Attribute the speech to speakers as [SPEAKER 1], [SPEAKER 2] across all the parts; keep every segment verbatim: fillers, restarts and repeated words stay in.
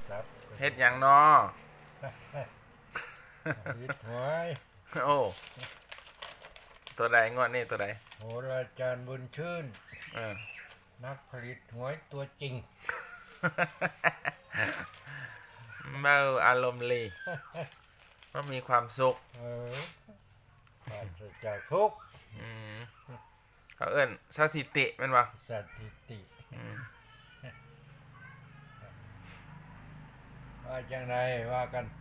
[SPEAKER 1] ศัพท์
[SPEAKER 2] เฮ็ดหยังนอ
[SPEAKER 1] ฮิตหวย
[SPEAKER 2] โอ้ตัวใดงวดนี้ตัวใด
[SPEAKER 1] โหราจารย์บุญชื่น
[SPEAKER 2] เออ
[SPEAKER 1] นักผลิตหวยตัวจริง
[SPEAKER 2] เมาอารมณ์ลีก็มีความสุข
[SPEAKER 1] เออปราศจากทุกข์
[SPEAKER 2] อืมเขาเอิ้นสถิติแม่นบ่
[SPEAKER 1] สถิติว่าจังไดว่ากันไป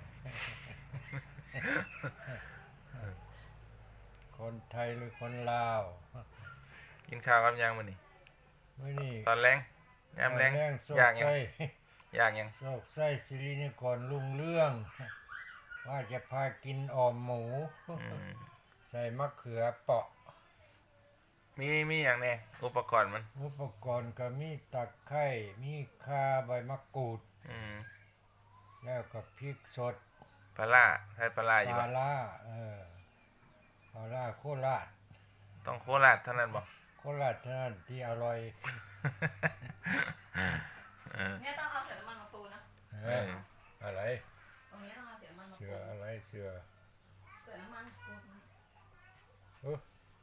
[SPEAKER 1] คนไทยหรือคนลาว
[SPEAKER 2] กินข้าวกับยังมื้อนี้
[SPEAKER 1] มื้อนี้
[SPEAKER 2] ตอนแลงยามแลงอยากหยังอยากหยัง
[SPEAKER 1] โศกไส้สิรินครรุ่งเรื่องว่าจะพากินอ่อมหมูใส่มะเขือเปาะ
[SPEAKER 2] มีมีหยังแน่อุปกรณ์มัน
[SPEAKER 1] อุปกรณ์ก็มีตะไคร้มีข่าใบมะกรูด
[SPEAKER 2] อืม
[SPEAKER 1] แล้วก็พริกสด
[SPEAKER 2] ปลาร้าใส่ปลาร้าอยู่
[SPEAKER 1] ป
[SPEAKER 2] บ่
[SPEAKER 1] ลาร้าเออปลาร้าโคราช
[SPEAKER 2] ต้องโคราชเท่านั้นบ่
[SPEAKER 1] โคราชเท่านั้นที่อร่อย
[SPEAKER 3] เนี่ยต้องเอาเสือน้ำมันมาปูนะ
[SPEAKER 1] เอออะไร
[SPEAKER 3] ตรงนี้ต้องเอาเสือน้ำมันมาปู
[SPEAKER 1] เสืออะไรเสือ
[SPEAKER 3] เสือน้ำมันปู
[SPEAKER 1] เออ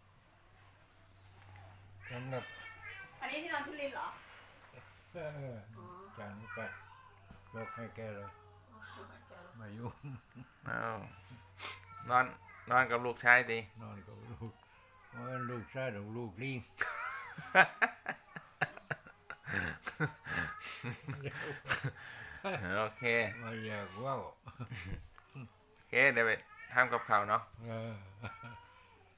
[SPEAKER 1] สำหรับ
[SPEAKER 3] อันนี้ที่นอนที่ลินเหรอ
[SPEAKER 1] เออจานนี้ไปยกให้แกเลยมายุ่ง
[SPEAKER 2] อ้าวนอนนอนกับลูกชายดิ
[SPEAKER 1] นอนกับลูกว่าลูกชายหรือลูกลิง
[SPEAKER 2] โอเค
[SPEAKER 1] มาอยากว่า
[SPEAKER 2] โอเคเดี๋ยวไปทำกับข้าวเนาะ